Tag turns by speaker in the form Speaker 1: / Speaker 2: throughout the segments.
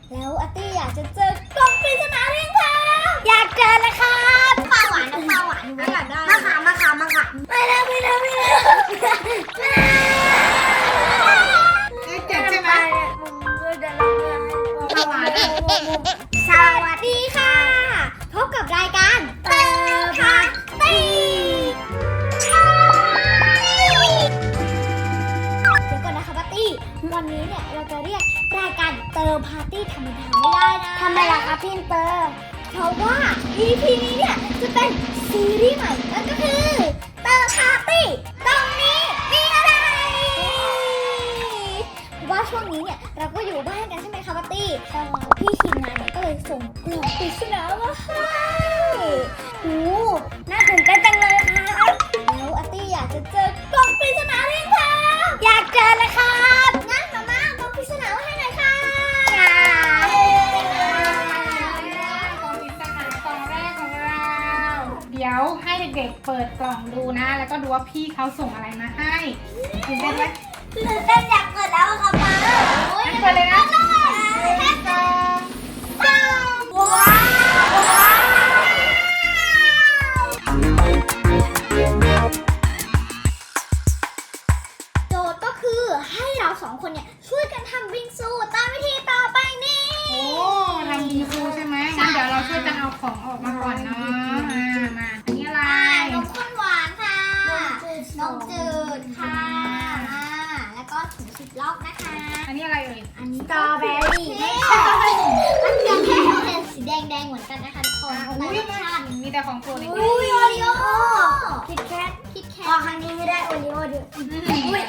Speaker 1: แล้วอาร์ตี้อยากจะเจอกล่องปริศนาหรือยังคะอยากเจอเลยครับปลาหวานนะปลาหวานไม่อยากได้มะขามไม่ได้เจ็บใช่ไหมปลาหวานสวัสดีค่ะพบกับรายการเติมพาตี้เดี๋ยวก่อนนะคะปาร์ตี้วันนี้เนี่ยเราจะเรียกรายการเติมพาร์ตี้ธรรมดาไม่ได้นะทำไมล่ะคะพี่เติมเพราะว่า EP นี้เนี่ยจะเป็นซีรีส์ใหม่นั่นก็คือเติมพาร์ตี้ตรงนี้มีอะไรว่าช่วงนี้เนี่ยเราก็อยู่บ้านกันใช่ไหมคะปาร์ตี้พี่ทีมงานเนี่ยก็เลยส่งกล่องปริศนามาให้โอ้น่าตื่นเต้นจังเลยค่ะแล้วอาร์ตี้อยากจะเจอกล่องปริศนาหรือยังคะอยากเจอเลยครับงั้นมามากล่องปริศนามาให้หน่อยค่ะ
Speaker 2: กล่องปริศนากล่องแรกของเราเดี๋ยวให้เด็กๆเปิดกล่องดูนะแล้วก็ดูว่าพี่เขาส่งอะไรมาให้ตื่นเต้นไหม
Speaker 1: ตื่นเต้นอยากเกิดแล้วค่ะป้า
Speaker 2: งั้นเปิดเลยนะ
Speaker 1: ว้าวโจทย์ก็คือให้เราสองคนเนี่ยช่วยกันทำบิงซูตามวิธีต่อไปนี้
Speaker 2: โอ้ทำบิงซูใช่ไหมงั้นเดี๋ยวเราช่วยกันเอาของออกมาก่อนเนาะมาอันนี้อะไร
Speaker 1: นมข้นหวานค่ะนมจืดค่ะแล้วก็ถุงซิปล็อกนะคะ
Speaker 2: อันนี้อะไรเอ่ย
Speaker 1: อันนี้สตรอเบอรี่ไม่ใช่อันนี้แค่เป็นสีแดงเหมือนกันนะคะทุกคน
Speaker 2: มีแต่ของโปรดเลย
Speaker 1: โอริโอคิดแคทพอครั้งนี้ไม่ได้โอริโอด้วยอันนี้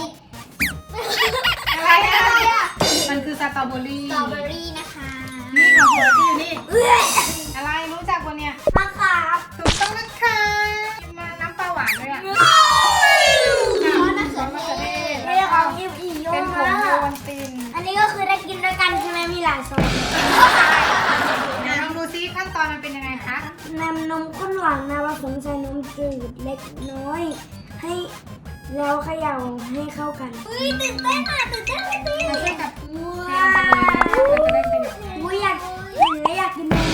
Speaker 1: อะไรอ่ะ
Speaker 2: มันคือสตรอเบอรี่
Speaker 1: นะคะ
Speaker 2: นี่ของโปรดที่อยู่นี่อะไรรู้จักวันเนี้ย
Speaker 1: มะขาม
Speaker 2: ถูกต้องนะคะมาน้ำปลาหวานด้วยอ่ะ
Speaker 1: มะเขือเทศ
Speaker 2: เป็นของยิบอีโยเป็นผงโยนติน
Speaker 1: อันนี้ก็คือได้กินด้วยกันใช่ไหมมีหลายซอง
Speaker 2: เดี๋ยวลองดูซิขั้นตอนมันเป็นยังไงคะ
Speaker 1: นำนมข้นหวานมาผสมใส่นมจืดเล็กน้อยให้แล้วเขย่าให้เข้ากันตื่นเต้น
Speaker 2: มาช่วยกับ
Speaker 1: ว้าวอยากกินนม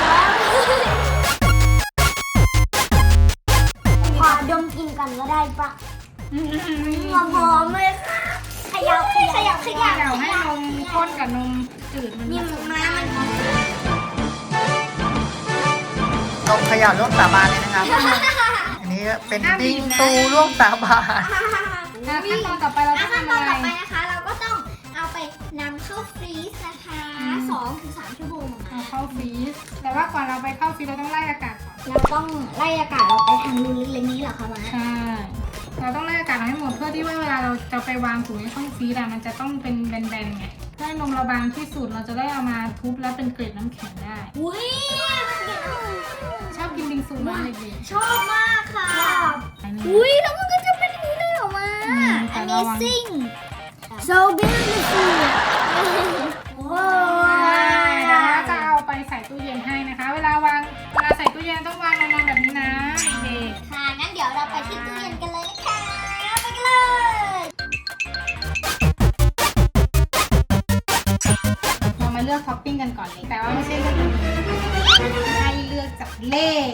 Speaker 1: ขอดมกินกันก็ได้ปะหอมเลยค่ะเขย่า
Speaker 2: ให้นมข้นกับนมจืดมัน
Speaker 3: นมเขย่าร่วมสาบานเลยนะครับ อันนี้เป็นบิงซูร่วมสาบาน
Speaker 2: ขั้นตอนต่อไปเราต้องทำอะไร
Speaker 1: นะคะเราก็ต้องเอาไปนำเข้าฟรีซนะคะ2-3 ชั่วโมง
Speaker 2: เอาเข้าฟรีซแต่ว่าก่อนเราไปเข้าฟรีซเราต้องไล่อากาศก่อน
Speaker 1: เราต้องไล่อากาศเราไปทางรูเล็กๆนี้เหรอคะมา
Speaker 2: ใช่เราต้องไล่อากาศให้หมดเพื่อที่ว่าเวลาเราจะไปวางถุงในช่องฟรีซมันจะต้องเป็นแบนๆไงเพื่อให้นมเราบางที่สุดเราจะได้เอามาทุบแล้วเป็นเกล็ดน้ำแข็งได้ชอบกินบิงซูมากเลย
Speaker 1: ชอบมากค่ะแล้วมันก็จะเป็นอย่างนี้เลยออกมา Amazing so beautiful
Speaker 2: เราจะเอาไปใส่ตู้เย็นให้นะคะเวลาใส่ตู้เย็นต้องวางนอนแบบนี้นะเด็ก
Speaker 1: ค่ะงั้นเดี๋ยวเราไปที่ตู้เย็นกันเลยนะคะไปกันเลย
Speaker 2: เรามาเลือกท็อปปิ้งกันก่อนเลยแต่ว่าไม่ใช่เลือกให้เลือกจากเลข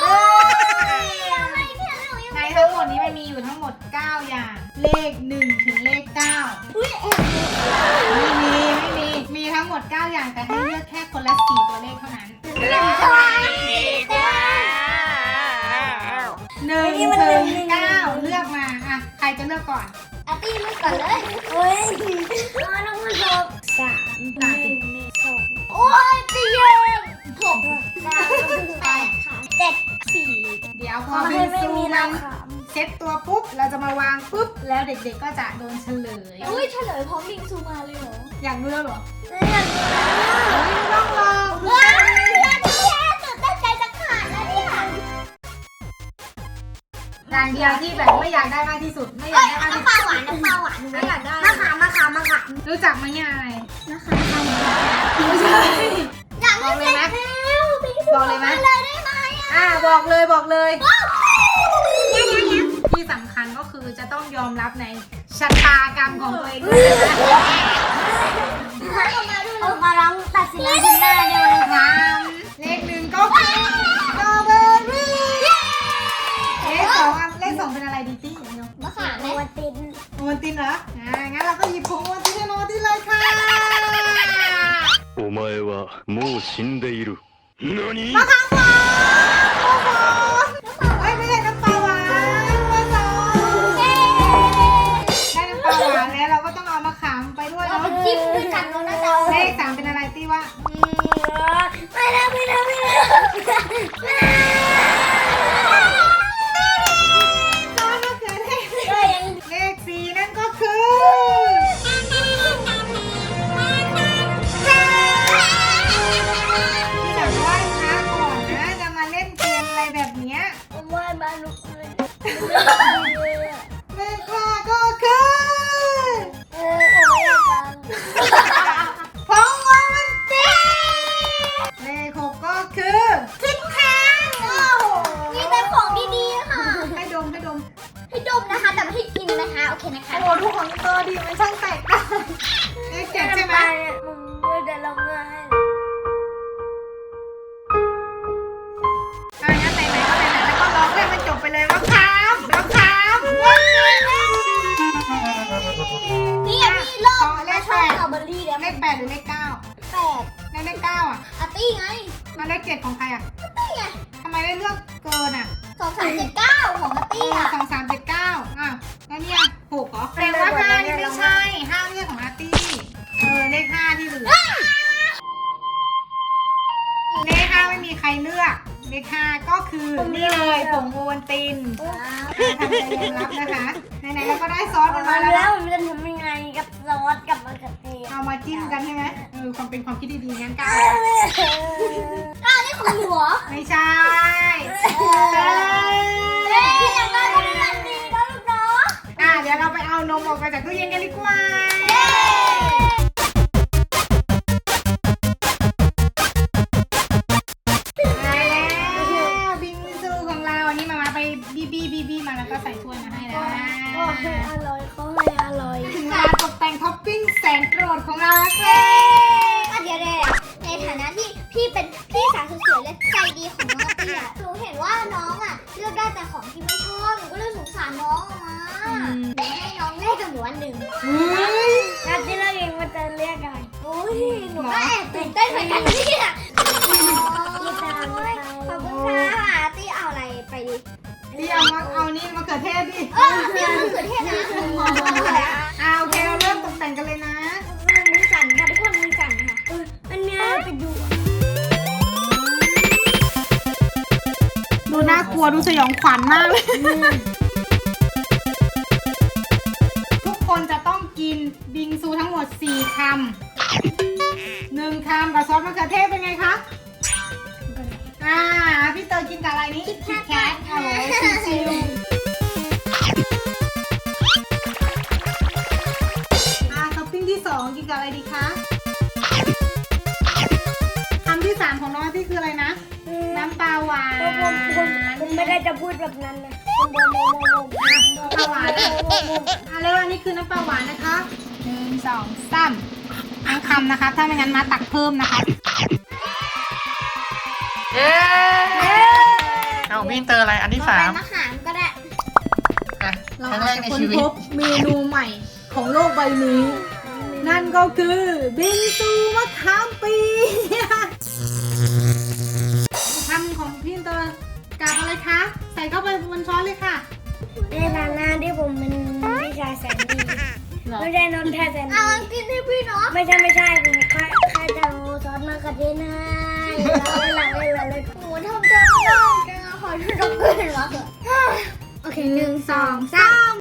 Speaker 2: ในทั้งหมดนี้มันมีอยู่ทั้งหมด9อย่างเลข1ถึงเลข9มีทั้งหมด9อย่างแต่ให้เลือกแค่คนละ4ตัวเลขเท่านั้น1ถึง9เลือกมาอ่ะใครจะเลือกก่อน
Speaker 1: อาร์ตี้เลือกก่อนเลยน้องผู้ชม3 โอ้ยตีเย็น6 9 8 7 4
Speaker 2: เดี๋ยวพอบิงซูมันเซ็ตตัวปุ๊บเราจะมาวางปุ๊บแล้วเด็กๆก็จะโดนเฉลย
Speaker 1: เฉลยพร้อมบิงซูมาเลยเหรอ
Speaker 2: อยากดูแล้วเหรอ
Speaker 1: อยากดู
Speaker 2: ต้องลอง
Speaker 1: ว้าวตื่นเต้นใจจะขาดแล้วเนี่ย
Speaker 2: อย่างเดียวที่แบบไม่อยากได้มากที่สุดไม่อยากได้มากที่สุด
Speaker 1: น้ำปลาหวาน
Speaker 2: ไม่อยากได้
Speaker 1: มะขาม
Speaker 2: รู้จักไหมเนี่ยอะไร
Speaker 1: นะคะ
Speaker 2: ไม่ใช่
Speaker 1: อยากบอกเลยไหม
Speaker 2: บอกเลยไหม
Speaker 1: ได้ไหม
Speaker 2: บอกเลยที่สำคัญก็คือจะต้องยอมรับในชะตากรรมของตัวเองด้วย
Speaker 1: เอามาร้องตัดสินใจหน้าเดียวเลย
Speaker 2: สามเลขหนึ่งก็คือสตรอเบอรี่เลขสองเป็นอะไรดีตี้เนาะ
Speaker 1: มะขามไหมวันติน
Speaker 2: โอวัลตินเหรองั้นเราก็หยิบผงโอวัลตินให้น้องโอวัลตินเลยค่ะ
Speaker 4: お前はもう死んでいる。何
Speaker 2: มะขามหวานไม่ใช่น้ำปลาหวานมะขามได้น้ำปลาหวานแล้วเราก็ต้องเอามะขามไปด้วย
Speaker 1: เรา
Speaker 2: เนาะ
Speaker 1: ไปจิ้มด้วยกันน้องนะจ๊ะ
Speaker 2: เลขสามเป็นอะไรตี้วะ
Speaker 1: ไม่ได้
Speaker 2: ซอสมะเขือเทศ
Speaker 1: ก็ยัง
Speaker 2: เลขสี่นั่นก็คือที่แบบไหว้พระก่อนนะจะมาเล่นเกมอะไรแบบเนี้ย
Speaker 1: ว่าบ้านลูกเลย
Speaker 2: เลขห้าก็คือ
Speaker 1: ผมไม่อยากฟัง
Speaker 2: ผงโอวัลตินเลขหกก็คือคิดแคท
Speaker 1: โอ้โหมีแต่ของดีๆค่ะ
Speaker 2: ให้ดม
Speaker 1: ให้ดมนะคะแต่ไม่ให้กินนะคะโอเคนะคะ
Speaker 2: โอ้โหทุกของตัวดีมันช่างแตกต่างเลขเจ็ดใช่ไหม
Speaker 1: มันจะร้องไห้
Speaker 2: งั้นไหนๆก็ไหนๆแล้วก็ร้องให้มันจบไปเลยมะขาม
Speaker 1: นี่ยังมีโลกและชอบสตรอเบอรี่แล้ว
Speaker 2: เลขแปดหรือเลขเก้า
Speaker 1: 8
Speaker 2: เลขเก้าอ่ะ
Speaker 1: อาร์ตี้ไง
Speaker 2: แล้วเลขเจ็ดของใครอ่ะ
Speaker 1: นี่ไง
Speaker 2: ทำไมได้เลือกเกินอ่ะ
Speaker 1: 2379ของอาร์ตี้อ่ะ
Speaker 2: 2379แล้วเนี่ยหกเหรอแปลว่าห้านี่ไม่ใช่ห้าเรื่องของอาร์ตี้เลขห้าที่เหลือเลขห้าไม่มีใครเลือกเลขห้าก็คือนี่เลยผงโอวัลตินทำใจยอมรับนะคะไหนๆเราก็ได้ซอสมันมาแล้ว
Speaker 1: แล้วมันจะทำยังไงกับซอสกับมะเขือเทศ
Speaker 2: เอามาจิ้มกันใช่ไหมความเป็นความคิดดีๆงั้นก้าว
Speaker 1: นี่ของหนูเหรอ
Speaker 2: ไม่ใช่
Speaker 1: อย่างนั้นก็เป็นอันนี้นะลูกเนาะ
Speaker 2: เดี๋ยวเราไปเอานมออกไปจากตู้เย็นกันดีกว่าได้แล้วบิงซูของเราอันนี้มาไปบีมาแล้วก็ใส่ถ้วยมาให้แล้ว
Speaker 1: ก็ให้อร่อยเขาให้อร่อย
Speaker 2: ถึงเวลาตกแต่งท็อปปิ้งแสนโปรดของเราแล้วค่ะ
Speaker 1: เดี๋ยวในฐานะที่พี่เป็นพี่สาวสวยๆและใจดีของน้องอาร์ตี้อ่ะหนูเห็นว่าน้องอ่ะเลือกได้แต่ของที่ไม่ชอบหนูก็เลยสงสารน้องออกมาหนูให้น้องเลือกกับหนูอันหนึ่ง อาร์ตี้เลือกเองว่าจะเลือกอะไรโอ้ยหนูก็แอบตื่นเต้นเหมือนกันเนี่ยขอบคุณค่ะอาร์ตี้เอาอะไรไปดิ
Speaker 2: ที่เอานี่มะเขือเทศดิ
Speaker 1: เดี๋ยวมะเขือเทศนะ
Speaker 2: โอเคเราเริ่มตกแต่งกันเลยนะ
Speaker 1: มือสั่นค่ะทุกคนมือสั่นค่ะอันเนี้ยไปดู
Speaker 2: ดูน่ากลัวดูสยองขวัญมากเลย ทุกคนจะต้องกินบิงซูทั้งหมด4 คำ 1 คำกับซอสมะเขือเทศเป็นไงคะพี่เตยกินกับอะไรนี่คิดแคทโอ้โหชิวท็อปปิ้งที่ 2 กินกับอะไรดีคะคำที่ 3 ของน้องที่คืออะไรนะ น้ำปลาหวาน
Speaker 1: ผมไม่ได้จะพูดแบบนั้นนะ
Speaker 2: น้ำปลาหวานแล้วอันนี้คือน้ำปลาหวานนะคะ1 2 3ทั้งคำนะคะถ้าไม่งั้นมาตักเพิ่มนะคะ
Speaker 3: เย้เอาพี่เตอร์อะไรอันที่
Speaker 1: ต่อไป
Speaker 3: 3
Speaker 1: มะขามก็ได้
Speaker 3: อ่ะ
Speaker 2: เรา
Speaker 3: ครั้ง
Speaker 2: อา
Speaker 3: แร
Speaker 2: จ
Speaker 3: ก
Speaker 2: จะ
Speaker 3: ใน
Speaker 2: ค้น
Speaker 3: ชีวิ
Speaker 2: พ
Speaker 3: ต
Speaker 2: บเมนูใหม่ของโลกใบนี้ นั่นก็คือบิงซูมะขามเปียกคำของพี่เตอร์กับอะไรคะ ใส่เข้าไปบนช้อนเลยค่ะ
Speaker 1: ในฐานะที่ผมเป็นพี่ชายแสนดีไม่ใช่นนท์แท้แสนดีกินให้พี่เนาะไม่ใช่ผมแค่จะเอาซอสมะเขือเทศให้เลยหนูทำใจไม่ได้จะขอโทษด้วยนะโอเค1 2 3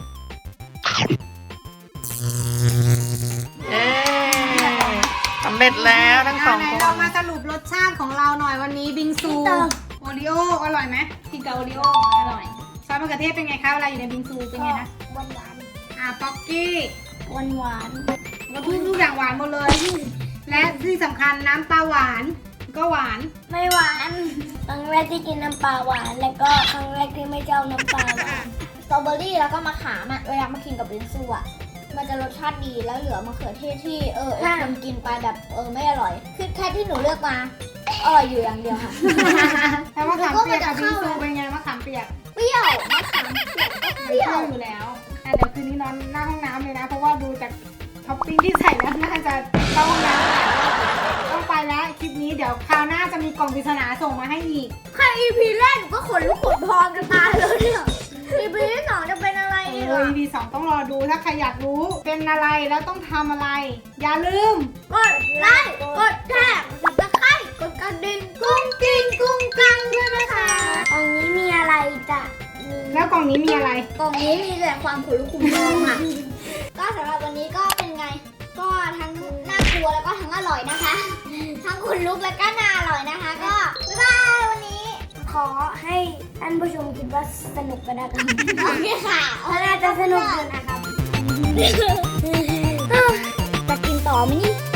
Speaker 3: เย้สำเร็จแล้วทั้งสอง
Speaker 2: ไหน
Speaker 3: ค
Speaker 2: เรา
Speaker 3: น
Speaker 2: มาสรุปรสชาติของเราหน่อยวันนี้บิงซูโอริโออร่อยไหมกินกับโอริโออร่อยซอสมะเขือเทศเป็นไงคะเวลาอยู่ในบิงซูเป็นไงนะ
Speaker 1: หวาน
Speaker 2: ป๊อกกี้
Speaker 1: หวาน
Speaker 2: ก็ทุกอย่างหวานหมดเลย และที่สำคัญน้ำปลาหวานก็หวาน
Speaker 1: ไม่หวานครั้งแรกที่กินน้ำปลาหวานแล้วก็ครั้งแรกที่ไม่เจ้าน้ำปลาหวานสตรอเบอรี่แล้วก็มะขามอ่ะเวลามากินกับบิงซูอ่ะมันจะรสชาติดีแล้วเหลือมะเขือเทศที่คนกินไปแบบไม่อร่อยคือแค่ที่หนูเลือกมาอร่อยอยู่อย่างเดียวค่ะ
Speaker 2: แล้วมะขามเปียกกับบิงซูเป็นไงมะขามเปียก
Speaker 1: เปรี้ยวมะขามเปียกก็เปรี้ยว
Speaker 2: อยู่แล้วเดี๋ยวคืนนี้นอนหน้าห้องน้ำเลยนะ เพราะว่าดูจากท็อปปิ้งที่ใส่แล้วน่าจะเข้าห้องน้ำต้องไปแล้วคลิปนี้เดี๋ยวคราวหน้าจะมีกล่องปริศนาส่งมาให้อีก
Speaker 1: แค่ EP แรกหนูก็ขนลุกขนพองกันตายเลยเนี่ย EP ที่2จะเป็นอะไรอีกอ่ะ
Speaker 2: EP 2ต้องรอดูถ้าใครอยากรู้เป็นอะไรแล้วต้องทำอะไร อย่าลืม
Speaker 1: กดไลค์กดแชร์กดตะไคร้กดกระดิ่งกุ้งกิ้งกุ้งกังด้วยนะคะกล่องนี้มีอะไรจ้ะ
Speaker 2: แล้วกล่องนี้มีอะไร
Speaker 1: กล่องนี้มีแต่ความขนลุกขนพองค่ะ ก็สำหรับวันนี้ก็เป็นไง ก็ทั้งน่ากลัวแล้วก็ทั้งอร่อยนะคะ ทั้งขนลุกแล้วก็น่าอร่อยนะคะ ก็บ๊ายบายวันนี้ ขอให้ท่านผู้ชมคิดว่าสนุกกันนะคะโอเคค่ะน่าจะสนุกอยู่นะครับ จะกินต่อไหมนี่